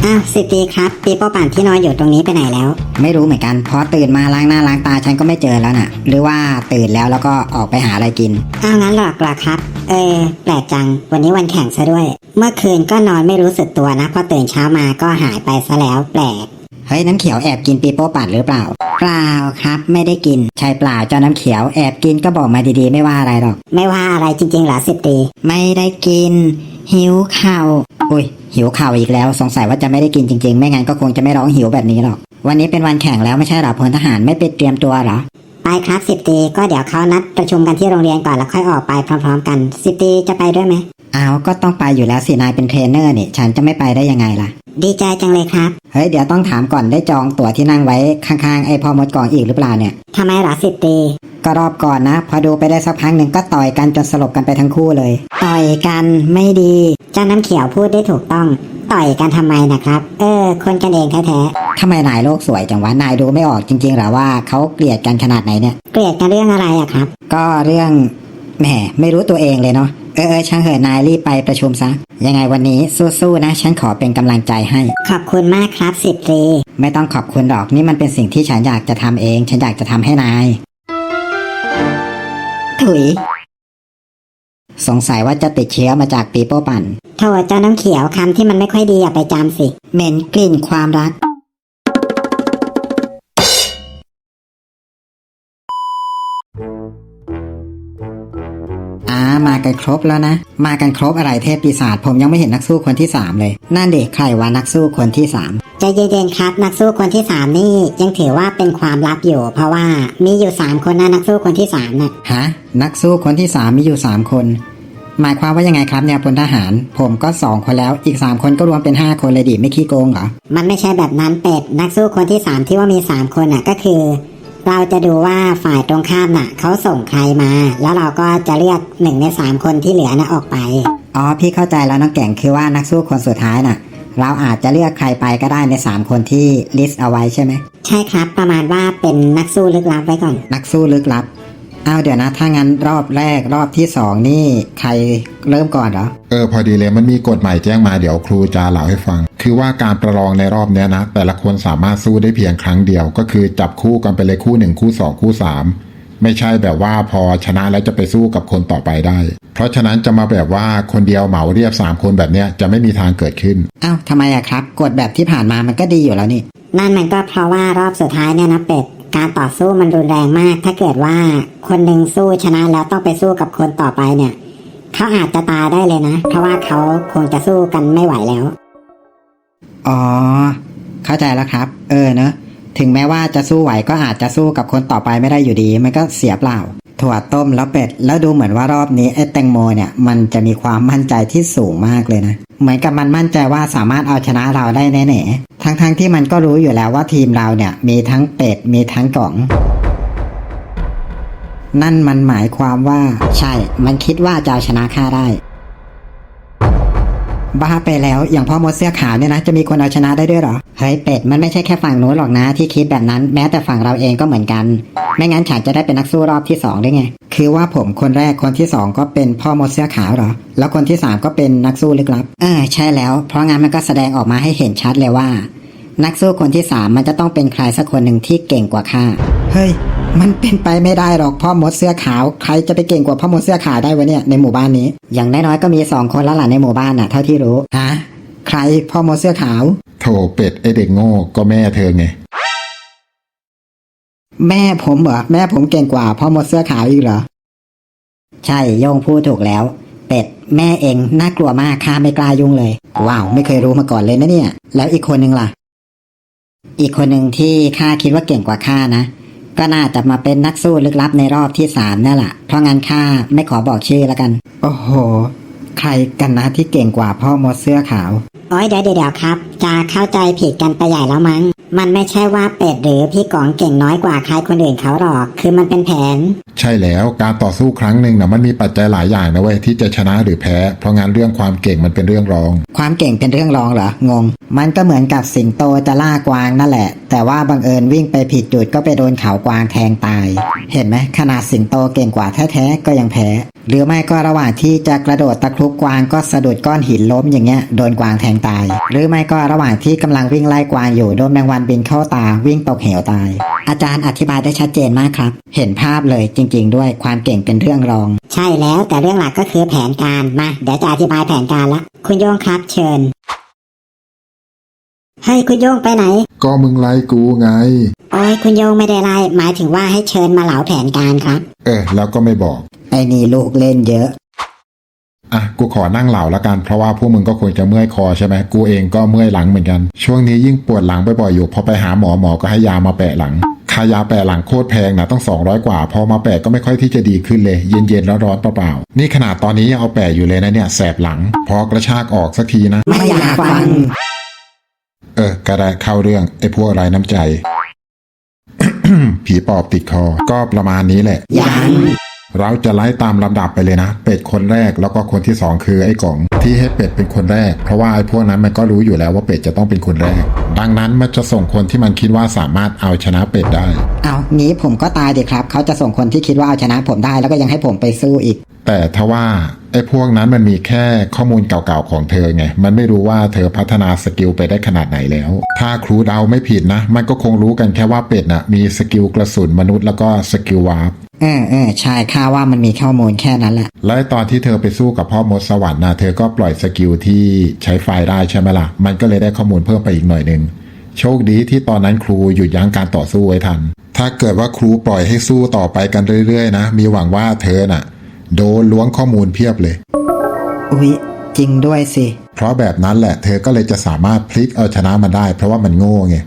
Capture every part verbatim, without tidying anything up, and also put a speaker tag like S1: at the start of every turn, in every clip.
S1: อ้าวสิตีครับปีโป้ปั่นที่นอนอยู่ตรงนี้ไปไหนแล้ว
S2: ไม่รู้เหมือนกันพอตื่นมาล้างหน้าล้างตาฉันก็ไม่เจอแล้วน่ะหรือว่าตื่นแล้วแล้วก็ออกไปหาอะไรกิน
S1: อ้าวงั้นหรอกหรอครับเออแปลกจังวันนี้วันแข่งซะด้วยเมื่อคืนก็นอนไม่รู้สึกตัวนะพอตื่นเช้ามาก็หายไปซะแล้วแปลก
S2: เฮ้ยน้ำเขียวแอบกินปีโป้ปั่นหรือเปล่า
S1: เปล่าครับไม่ได้กิน
S2: ใช่เปล่าเจ้าน้ำเขียวแอบกินก็บอกมาดีๆไม่ว่าอะไรหรอก
S1: ไม่ว่าอะไรจริงๆเหรอสิตี
S2: ไม่ได้กินหิวข่าวอุ้ยหิวข่าวอีกแล้วสงสัยว่าจะไม่ได้กินจริงๆไม่งั้นก็คงจะไม่ร้องหิวแบบนี้หรอกวันนี้เป็นวันแข่งแล้วไม่ใช่หรอพลทหารไม่ไปเตรียมตัวหรอ
S1: ไปครับสิบตีก็เดี๋ยวเขานัดประชุมกันที่โรงเรียนก่อนแล้วค่อยออกไปพร้อมๆกันสิบตีจะไปด้วยไหม
S2: อ้าวก็ต้องไปอยู่แล้วสินายเป็นเทรนเนอร์นี่ฉันจะไม่ไปได้ยังไงล่ะ
S1: ดีใจจังเลยครับ
S2: เฮ้ยเดี๋ยวต้องถามก่อนได้จองตั๋วที่นั่งไว้ข้างๆไอ้พ่อมดกองอีกหรือเปล่าเนี่ย
S1: ทำไมหรอสิบตี
S2: ก็รอบก่อนนะพอดูไปได้สักพักหนึ่งก็ต่อยกันจนสลบกันไปทั้งคู่เลย
S1: ต่อยกันไม่ดีเจ้าน้ำเขียวพูดได้ถูกต้องต่อยกันทำไมนะครับเออคนกันเองแท้
S2: ๆทำไมนายโลกสวยจังวะนายดูไม่ออกจริงๆหรอว่าเขาเกลียดกันขนาดไหนเนี่ย
S1: เกลียดกันเรื่องอะไรอะครับ
S2: ก็เรื่องแหมไม่รู้ตัวเองเลยเนาะเออเออช่างเหอะนายรีบไปประชุมซะยังไงวันนี้สู้ๆนะฉันขอเป็นกำลังใจให้
S1: ขอบคุณมากครับสิบตรี
S2: ไม่ต้องขอบคุณหรอกนี่มันเป็นสิ่งที่ฉันอยากจะทำเองฉันอยากจะทำให้นาย
S1: ถุย
S2: สงสัยว่าจะติดเชื้อมาจากปีโป้ปั่น
S1: โทษเจ้าน้ำเขียวคำที่มันไม่ค่อยดีอย่าไปจำสิ
S2: เหม็นกลิ่นความรักอ่ามากันครบแล้วนะมากันครบอะไรเทพปีศาจผมยังไม่เห็นนักสู้คนที่สามเลยนั่นเด็กใครวะนักสู้คนที่สาม
S1: ใจเย็นๆครับนักสู้คนที่สามนี่ยังถือว่าเป็นความลับอยู่เพราะว่ามีอยู่สามคนนะนักสู้คนที่สามน่ะ
S2: ฮะนักสู้คนที่สามมีอยู่สามคนหมายความว่ายังไงครับเนี่ยพลทหารผมก็สองคนแล้วอีกสามคนก็รวมเป็นห้าคนเลยดิไม่ขี้โกงเหรอ
S1: มันไม่ใช่แบบนั้นเป็ดนักสู้คนที่สามที่ว่ามีสามคนน่ะก็คือเราจะดูว่าฝ่ายตรงข้ามน่ะเขาส่งใครมาแล้วเราก็จะเลือกหนึ่งในสามคนที่เหลือน่ะออกไป
S2: อ๋อพี่เข้าใจแล้วน้องแก่งคือว่านักสู้คนสุดท้ายน่ะเราอาจจะเลือกใครไปก็ได้ในสามคนที่ลิสต์เอาไว้ใช่ไหม
S1: ใช่ครับประมาณว่าเป็นนักสู้ลึกลับไว้ก่อน
S2: นักสู้ลึกลับเอาเดี๋ยวนะถ้างั้นรอบแรกรอบที่สองนี่ใครเริ่มก่อนเหรอ
S3: เออพอดีเลยมันมีกฎใหม่แจ้งมาเดี๋ยวครูจะเล่าให้ฟังคือว่าการประลองในรอบนี้นะแต่ละคนสามารถสู้ได้เพียงครั้งเดียวก็คือจับคู่กันไปเลยคู่หนึ่งคู่สองคู่สามไม่ใช่แบบว่าพอชนะแล้วจะไปสู้กับคนต่อไปได้เพราะฉะนั้นจะมาแบบว่าคนเดียวเหมาเรียบสามคนแบบเนี้ยจะไม่มีทางเกิดขึ้น
S2: อ้าวทำไมอะครับกฎแบบที่ผ่านมามันก็ดีอยู่แล้วนี่
S1: นั่นมันก็เพราะว่ารอบสุดท้ายเนี่ยนะเป็ดการต่อสู้มันรุนแรงมากถ้าเกิดว่าคนหนึ่งสู้ชนะแล้วต้องไปสู้กับคนต่อไปเนี่ยเขาอาจจะตายได้เลยนะเพราะว่าเขาคงจะสู้กันไม่ไหวแล้ว
S2: อ๋อเข้าใจแล้วครับเออเนอะถึงแม้ว่าจะสู้ไหวก็อาจจะสู้กับคนต่อไปไม่ได้อยู่ดีมันก็เสียเปล่าถั่วต้มแล้วเป็ดแล้วดูเหมือนว่ารอบนี้ไอ้แตงโมเนี่ยมันจะมีความมั่นใจที่สูงมากเลยนะเหมือนกับมันมั่นใจว่าสามารถเอาชนะเราได้แน่ๆทั้งๆ ท, ที่มันก็รู้อยู่แล้วว่าทีมเราเนี่ยมีทั้งเป็ดมีทั้งกล่องนั่นมันหมายความว่าใช่มันคิดว่าจะเอาชนะข้าได้บ้าไปแล้วอย่างพ่อมดเสื้อขาวเนี่ยนะจะมีคนเอาชนะได้ด้วยเหรอเฮ้ยเป็ดมันไม่ใช่แค่ฝั่งโน้นหรอกนะที่คิดแบบนั้นแม้แต่ฝั่งเราเองก็เหมือนกันไม่งั้นฉันจะได้เป็นนักสู้รอบที่สองได้ไงคือว่าผมคนแรกคนที่สองก็เป็นพ่อมดเสื้อขาวเหรอแล้วคนที่สามก็เป็นนักสู้ลึกลับเออใช่แล้วเพราะงั้นมันก็แสดงออกมาให้เห็นชัดเลยว่านักสู้คนที่สามมันจะต้องเป็นใครสักคนหนึ่งที่เก่งกว่าข้าเฮ้ยมันเป็นไปไม่ได้หรอกพ่อมดเสื้อขาวใครจะไปเก่งกว่าพ่อมดเสื้อขาวได้วะเนี่ยในหมู่บ้านนี้อย่างน้อยๆก็มีสองคนแล้วล่ะในหมู่บ้านน่ะเท่าที่รู้ฮะใครพ่อมดเสื้อขาว
S3: โถเป็ดไอเด็กโง่ก็แม่เธอไง
S2: แม่ผมเหรอแม่ผมเก่งกว่าพ่อมดเสื้อขาวอีกเหรอใช่โยงพูดถูกแล้วเป็ดแม่เองน่ากลัวมากข้าไม่กล้ายุ่งเลยว้าวไม่เคยรู้มาก่อนเลยนะเนี่ยแล้วอีกคนนึงล่ะอีกคนหนึ่งที่ข้าคิดว่าเก่งกว่าข้านะก็น่าจะมาเป็นนักสู้ลึกลับในรอบที่สามนั่นแหละเพราะงั้นข้าไม่ขอบอกชื่อแล้วกันโอ้โหใครกันนะที่เก่งกว่าพ่อมดเสื้อขาว
S1: โอ้ยเดี๋ยวเดี๋ยวครับจะเข้าใจผิดกันไปใหญ่แล้วมั้งมันไม่ใช่ว่าเป็ดหรือพี่ก๋องเก่งน้อยกว่าใครคนอื่นเขาหรอกคือมันเป็นแผน
S3: ใช่แล้วการต่อสู้ครั้งหนึ่งนะมันมีปัจจัยหลายอย่างนะเว้ยที่จะชนะหรือแพ้เพราะงั้นเรื่องความเก่งมันเป็นเรื่องรอง
S2: ความเก่งเป็นเรื่องรองเหรองงมันก็เหมือนกับสิงโตจะล่ากวางนั่นแหละแต่ว่าบังเอิญวิ่งไปผิดจุดก็ไปโดนเขากวางแทงตาย เห็นไหมขนาดสิงโตเก่งกว่าแท้ๆก็ยังแพ้หรือไม่ก็ระหว่างที่จะกระโดดตะครุบกวางก็สะดุดก้อนหินล้มอย่างเงี้ยโดนกวางแทงตายหรือไม่ก็ระหว่างที่กำลังวิ่งไล่กวางอยู่โดนแมงวันบินเข้าตาวิ่งตกเหวตายอาจารย์อธิบายได้ชัดเจนมากครับเห็นภาพเลยจริงๆด้วยความเก่งเป็นเรื่องรอง
S1: ใช่แล้วแต่เรื่องหลักก็คือแผนการมาเดี๋ยวจะอธิบายแผนการละคุณโยงครับเชิญเฮ้ยคุณโยงไปไหน
S3: ก็มึงไล่กูไง
S1: โอ้ยคุณโยงไม่ได้ไล่หมายถึงว่าให้เชิญมาเหลาแผนการครับ
S3: เออแล้วก็ไม่บอก
S2: ไอ้นี่ลูกเล่นเยอะ
S3: อ่ะกูขอนั่งเหล่าละกันเพราะว่าพวกมึงก็คงจะเมื่อยคอใช่ไหมกูเองก็เมื่อยหลังเหมือนกันช่วงนี้ยิ่งปวดหลังบ่อยๆอยู่พอไปหาหมอหมอก็ให้ยามาแปะหลังค่ายาแปะหลังโคตรแพงนะต้องสองร้อยกว่าพอมาแปะก็ไม่ค่อยที่จะดีขึ้นเลยเย็นๆแล้วร้อนเปล่าๆนี่ขนาดตอนนี้ยังเอาแปะอยู่เลยนะเนี่ยแสบหลังพอกระชากออกสักทีนะ
S2: ไม่อยากฟัง
S3: เออกระไรเข้าเรื่องไอ้พวกไร้น้ำใจ ผีปอบติดคอก็ประมาณนี้แหละ
S2: ยัง
S3: เราจะไล่ตามลำดับไปเลยนะเป็ดคนแรกแล้วก็คนที่สองคือไอ้กล่องที่ให้เป็ดเป็นคนแรกเพราะว่าไอ้พวกนั้นมันก็รู้อยู่แล้วว่าเป็ดจะต้องเป็นคนแรกดังนั้นมันจะส่งคนที่มันคิดว่าสามารถเอาชนะเป็ดได้
S2: เอางี้ผมก็ตายดิครับเขาจะส่งคนที่คิดว่าเอาชนะผมได้แล้วก็ยังให้ผมไปสู้อีก
S3: แต่ทว่าไอ้พวกนั้นมันมีแค่ข้อมูลเก่าๆของเธอไงมันไม่รู้ว่าเธอพัฒนาสกิลไปได้ขนาดไหนแล้วถ้าครูเดาไม่ผิดนะมันก็คงรู้กันแค่ว่าเป็ดน่ะมีสกิลกระสุนมนุษย์แล้วก็สกิลวาร์ป
S2: เออเออใช่ข้าว่ามันมีข้อมูลแค่นั้นแหละ
S3: และตอนที่เธอไปสู้กับพ่อมดสวรรค์นะเธอก็ปล่อยสกิลที่ใช้ไฟได้ใช่ไหมล่ะมันก็เลยได้ข้อมูลเพิ่มไปอีกหน่อยหนึ่งโชคดีที่ตอนนั้นครูหยุดยั้งการต่อสู้ไว้ทันถ้าเกิดว่าครูปล่อยให้สู้ต่อไปกันเรื่อยๆนะมีหวังว่าเธอน่ะโดนล้วงข้อมูลเพียบเลย
S2: อุ๊ยจริงด้วยสิ
S3: เพราะแบบนั้นแหละเธอก็เลยจะสามารถพลิกเอาชนะมันได้เพราะว่ามันโง่ไง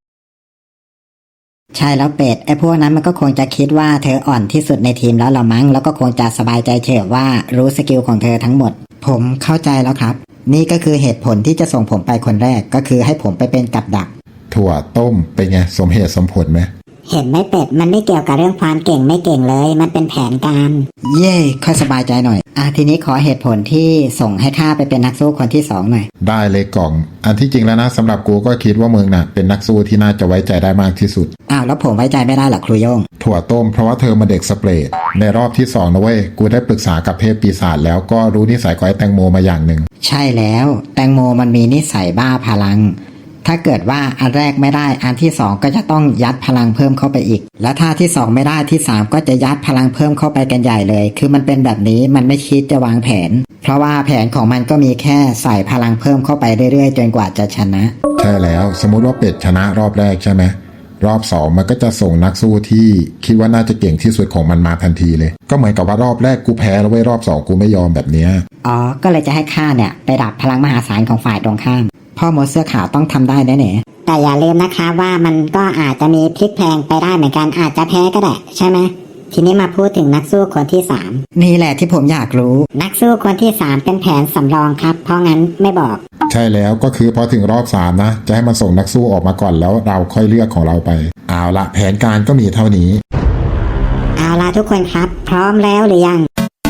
S2: ใช่แล้วเป็ดไอ้พวกนั้นมันก็คงจะคิดว่าเธออ่อนที่สุดในทีมแล้วละมั้งแล้วก็คงจะสบายใจเฉยว่ารู้สกิลของเธอทั้งหมดผมเข้าใจแล้วครับนี่ก็คือเหตุผลที่จะส่งผมไปคนแรกก็คือให้ผมไปเป็นกับดัก
S3: ถั่วต้มเป็นไงสมเหตุสมผลไหม
S1: เห็นไหมเป็ดมันไม่เกี่ยวกับเรื่องความเก่งไม่เก่งเลยมันเป็นแผนการ
S2: เย่ค่อยสบายใจหน่อยอ่ะทีนี้ขอเหตุผลที่ส่งให้ข้าไปเป็นนักสู้คนที่สองหน่อย
S3: ได้เลยกล่องอันที่จริงแล้วนะสำหรับกูก็คิดว่ามึงน่ะเป็นนักสู้ที่น่าจะไว้ใจได้มากที่สุด
S2: อ้าวแล้วผมไว้ใจไม่ได้หรอครูโย่ง
S3: ถั่วต้มเพราะว่าเธอมาเด็กสเปรดในรอบที่สองนะเว้ยกูได้ปรึกษากับเทพปีศาจแล้วก็รู้นิสัยของไอ้แตงโมมาอย่างหนึ่ง
S2: ใช่แล้วแตงโมมันมีนิสัยบ้าพลังถ้าเกิดว่าอันแรกไม่ได้อันที่สองก็จะต้องยัดพลังเพิ่มเข้าไปอีกแล้วถ้าที่สองไม่ได้ที่สามก็จะยัดพลังเพิ่มเข้าไปกันใหญ่เลยคือมันเป็นแบบนี้มันไม่คิดจะวางแผนเพราะว่าแผนของมันก็มีแค่ใส่พลังเพิ่มเข้าไปเรื่อยๆจนกว่าจะชนะ
S3: ใช่แล้วสมมุติว่าเป็ดชนะรอบแรกใช่ไหมรอบสองมันก็จะส่งนักสู้ที่คิดว่าน่าจะเก่งที่สุดของมันมาทันทีเลยก็เหมือนกับว่ารอบแรกกูแพ้แล้วเว้ยรอบสองกูไม่ยอมแบบเนี้ย
S2: อ๋อก็เลยจะให้ข้าเนี่ยไปดับพลังมหาศาลของฝ่ายตรงข้ามพ่อมดเสื้อขาวต้องทำได้แน่ๆ
S1: แต่อย่าลืมนะคะว่ามันก็อาจจะมีพลิกแพลงไปได้เหมือนกันอาจจะแพ้ก็ได้ใช่ไหมทีนี้มาพูดถึงนักสู้คนที่สาม
S2: นี่แหละที่ผมอยากรู้
S1: นักสู้คนที่สามเป็นแผนสำรองครับเพราะงั้นไม่บอก
S3: ใช่แล้วก็คือพอถึงรอบสามนะจะให้มันส่งนักสู้ออกมาก่อนแล้วเราค่อยเลือกของเราไปเอาละแผนการก็มีเท่านี้
S1: เอาล่ะทุกคนครับ พร้อมแล้วหรือยัง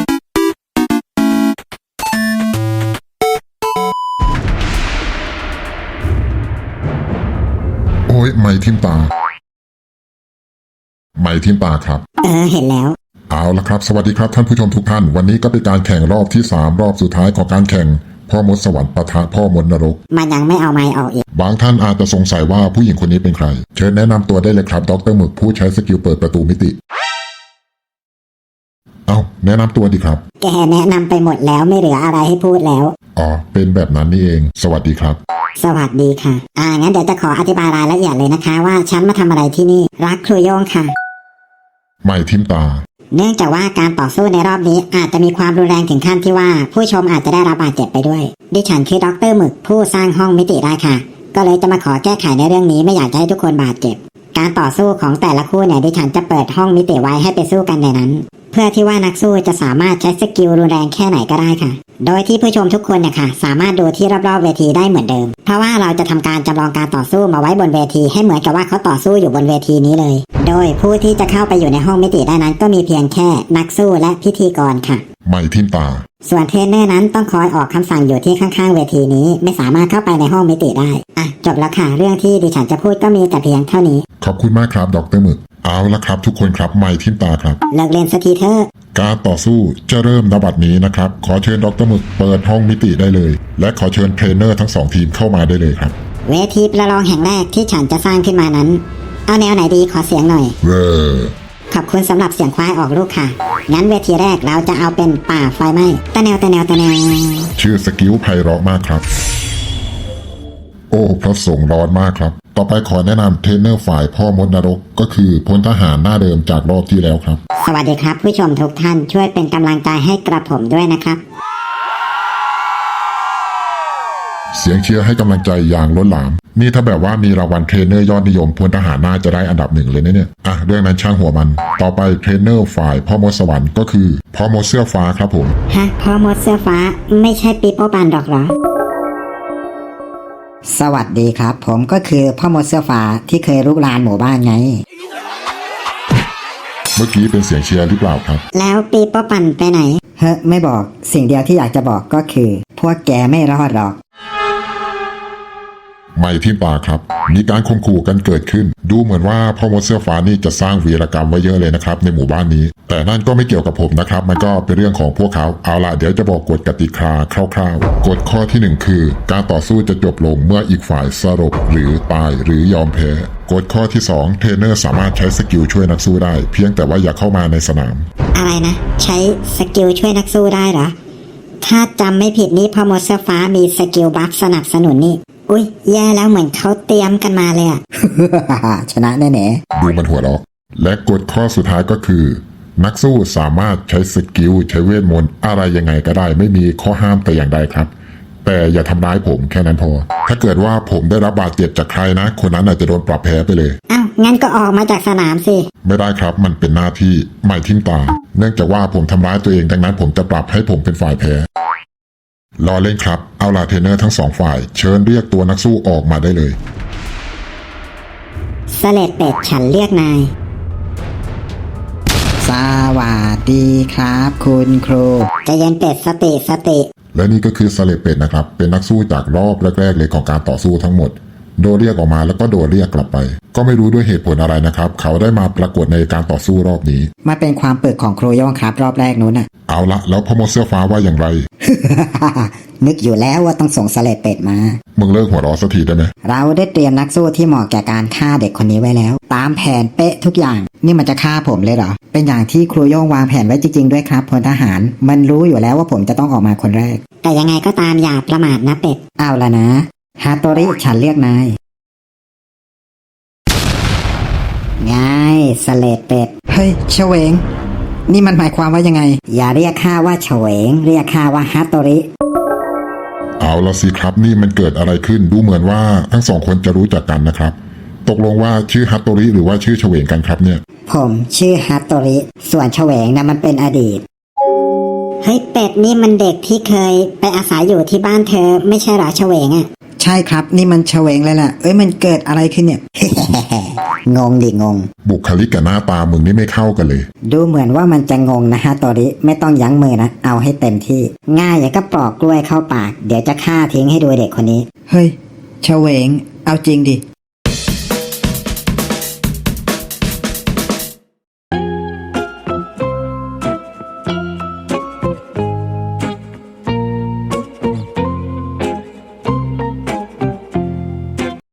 S3: โอ้ยไม่ทิมตาไม่ทิมตาครับ
S1: เออเห็นแล้ว
S3: เอาละครับสวัสดีครับท่านผู้ชมทุกท่านวันนี้ก็เป็นการแข่งรอบที่สามรอบสุดท้ายของการแข่งพ่อมดสวรรค์ปะทะพ่อมดนรก
S1: มันยังไม่เอาไม้ออกอีก
S3: บางท่านอาจจะสงสัยว่าผู้หญิงคนนี้เป็นใครเชิญแนะนำตัวได้เลยครับดรหมึกผู้ใช้สกิลเปิดประตูมิติเอาแนะนำตัวดีครับ
S1: แกแนะนำไปหมดแล้วไม่เหลืออะไรให้พูดแล้ว
S3: อ๋อเป็นแบบนั้นนี่เองสวัสดีครับ
S1: สวัสดีค่ะ อ่างั้นเดี๋ยวจะขออธิบายรายละเอียดเลยนะคะ ว่าฉันมาทำอะไรที่นี่รักครูโยงค่ะ
S3: ไม่ทิมตา
S1: เนื่องจากว่าการต่อสู้ในรอบนี้อาจจะมีความรุนแรงถึงขั้นที่ว่าผู้ชมอาจจะได้รับบาดเจ็บไปด้วยดิฉันคือดรหมึกผู้สร้างห้องมิติได้ค่ะ ก็เลยจะมาขอแก้ไขในเรื่องนี้ไม่อยากจะให้ทุกคนบาดเจ็บการต่อสู้ของแต่ละคู่เนี่ยดิฉันจะเปิดห้องมิติไว้ให้ไปสู้กันในนั้น เพื่อที่ว่านักสู้จะสามารถใช้สกิลรุนแรงแค่ไหนก็ได้ค่ะ โดยที่ผู้ชมทุกคนเนี่ยค่ะสามารถดูที่รอบๆเวทีได้เหมือนเดิมเพราะว่าเราจะทำการจำลองการต่อสู้มาไว้บนเวทีให้เหมือนกับว่าเขาต่อสู้อยู่บนเวทีนี้เลยโดยผู้ที่จะเข้าไปอยู่ในห้องมิติได้นั้นก็มีเพียงแค่นักสู้และพิธีกรค่ะ
S3: ไม่ทิมตา
S1: ส่วนเทรนเนอร์นั้นต้องคอยออกคำสั่งอยู่ที่ข้างๆเวทีนี้ไม่สามารถเข้าไปในห้องมิติได้อ่ะจบแล้วค่ะเรื่องที่ดิฉันจะพูดก็มีแต่เพียงเท่านี้
S3: ขอบคุณมากครับดรหมึกเอาละครับทุกคนครับไม่ทิมตาครับ
S1: เลิกเล่นสักทีเถอะ
S3: การต่อสู้จะเริ่มณบัดนี้นะครับขอเชิญดรหมึกเปิดห้องมิติได้เลย และขอเชิญเทรนเนอร์ทั้งสองทีมเข้ามาได้เลยครับ
S1: เวทีประลองแห่งแรกที่ฉันจะสร้างขึ้นมานั้นเอาแนวไหนดีขอเสียงหน่อย
S3: เว้อ
S1: ขอบคุณสำหรับเสียงควายออกลูกค่ะงั้นเวทีแรกเราจะเอาเป็นป่าไฟไหม้ตะแนวตะแนวตะแนว
S3: ชื่อสกิลไพเราะมากครับ โอ้พระสงฆ์ร้อนมากครับ ต่อไปขอแนะนำเทรนเนอร์ฝ่ายพ่อมดนรกก็คือพลทหารหน้าเดิมจากรอบที่แล้วครับ
S1: สวัสดีครับผู้ชมทุกท่านช่วยเป็นกำลังใจให้กระผมด้วยนะครับ
S3: เสียงเชียร์ให้กำลังใจอย่างล้นหลาม นี่ถ้าแบบว่ามีรางวัลเทรนเนอร์ยอดนิยมพลทหารน่าจะได้อันดับหนึ่งเลยนะเนี่ยอ่ะเรื่องนั้นช่างหัวมัน ต่อไปเทรนเนอร์ฝ่ายพ่อมดสวรรค์ก็คือพ่อมดเสื้อฟ้าครับผม
S1: ฮะพ่อมดเสื้อฟ้าไม่ใช่ปีโป้ปันหรอกเหรอ
S2: สวัสดีครับ ผมก็คือพ่อมดเสื้อฟ้าที่เคยรุกรานหมู่บ้านไง
S3: เมื่อกี้เป็นเสียงเชียร์หรือเปล่าครับ
S1: แล้วปีโป้ปันไปไหน
S2: เฮ้ไม่บอกสิ่งเดียวที่อยากจะบอกก็คือ พวกแกไม่รอดหรอก
S3: ไม่ทิมตาครับ มีการข่มขู่กันเกิดขึ้น ดูเหมือนว่าพ่อมดเสื้อฟ้านี่จะสร้างวีรกรรมไว้เยอะเลยนะครับในหมู่บ้านนี้ แต่นั่นก็ไม่เกี่ยวกับผมนะครับ มันก็เป็นเรื่องของพวกเขา เอาล่ะเดี๋ยวจะบอกกฎกติกาคร่าวๆ กฎข้อที่หนึ่งคือ การต่อสู้จะจบลงเมื่ออีกฝ่ายสลบหรือตายหรือยอมแพ้ กฎข้อที่สองเทรนเนอร์สามารถใช้สกิลช่วยนักสู้ได้ เพียงแต่ว่าอย่าเข้ามาในสนาม
S1: อะไรนะ ใช้สกิลช่วยนักสู้ได้เหรอ ถ้าจำไม่ผิดนี่พ่อมดเสื้อฟ้ามีสกิลบัฟสนับสนุนนี่อุ้ยแย่แล้วเหมือนเขาเตรียมกันมาเลยอะ
S2: ชนะแน่
S3: ดูมันหัวเราะและกฎข้อสุดท้ายก็คือ นักสู้สามารถใช้สกิลใช้เวทมนต์อะไรยังไงก็ได้ ไม่มีข้อห้ามแต่อย่างใดครับ แต่อย่าทำร้ายผมแค่นั้นพอ ถ้าเกิดว่าผมได้รับบาดเจ็บจากใครนะ คนนั้นอาจจะโดนปรับแพ้ไปเลย
S1: เอ้างั้นก็ออกมาจากสนามสิ
S3: ไม่ได้ครับมันเป็นหน้าที่ไม่ทิมตา เนื่องจากว่าผมทำร้ายตัวเองดังนั้นผมจะปรับให้ผมเป็นฝ่ายแพ้รอเล่นครับเอาล่ะเทรนเนอร์ทั้งสองฝ่ายเชิญเรียกตัวนักสู้ออกมาได้เลย
S1: สเลดเป็ดฉันเรียกนาย
S2: ๆ สวัสดีครับ คุณครู
S1: ใจะเย็นเป็ดสติสติ
S3: และนี่ก็คือสเลปเป็ดนะครับเป็นนักสู้จากรอบแรกๆเลยของการต่อสู้ทั้งหมด โดนเรียกออกมาแล้วก็โดนเรียกกลับไป ก็ไม่รู้ด้วยเหตุผลอะไรนะครับเขาได้มาปรากฏในการต่อสู้รอบนี้
S2: มาเป็นความปึกของครูโย่งครับรอบแรกนู้นน่ะ
S3: เอาละแล้วพ่อมดเสื้อฟ้าว่าอย่างไร
S2: นึกอยู่แล้วว่าต้องส่งสเลดเป็ดมา
S3: มึงเลิกหัวเราะสักทีได้ไหม
S2: เราได้เตรียมนักสู้ที่เหมาะแก่การฆ่าเด็กคนนี้ไว้แล้ว ตามแผนเป๊ะทุกอย่าง นี่มันจะฆ่าผมเลยเหรอ เป็นอย่างที่ครูโย่งวางแผนไว้จริงๆด้วยครับพลทหาร มันรู้อยู่แล้วว่าผมจะต้องออกมาคนแรก
S1: แต่ยังไงก็ตามอย่าประมาทนะเป็ด
S2: เอาละนะฮาโตริฉันเรียกนาย
S1: ง่ายสเลดเป็ด
S2: เฮ้ยเฉวง นี่มันหมายความว่ายังไง
S1: อย่าเรียกข้าว่าเฉวง เรียกข้าว่าฮัตโตริ
S3: เอาละสิครับนี่มันเกิดอะไรขึ้นดูเหมือนว่าทั้งสองคนจะรู้จักกันนะครับ ตกลงว่าชื่อฮัตโตริหรือว่าชื่อเฉวงกันครับเนี่ย
S1: ผมชื่อฮัตโตริ ส่วนเฉวงนะมันเป็นอดีต เฮ้ยเป็ดนี่มันเด็กที่เคยไปอาศัยอยู่ที่บ้านเธอไม่ใช่เหรอเฉวงอะ
S2: ใช่ครับนี่มันเฉวงเลยล่ะ เอ้ยมันเกิดอะไรขึ้นเนี่ย
S1: งงดิงง
S3: บุคลิกกับหน้าตามึงนี่ไม่เข้ากันเลย
S1: ดูเหมือนว่ามันจะงงนะฮัตโตริไม่ต้องยั้งมือนะเอาให้เต็มที่ ง่ายอย่างก็ปลอกกล้วยเข้าปาก เดี๋ยวจะฆ่าทิ้งให้ดูเด็กคนนี้
S2: เฮ้ยเฉวง เอาจริงดิ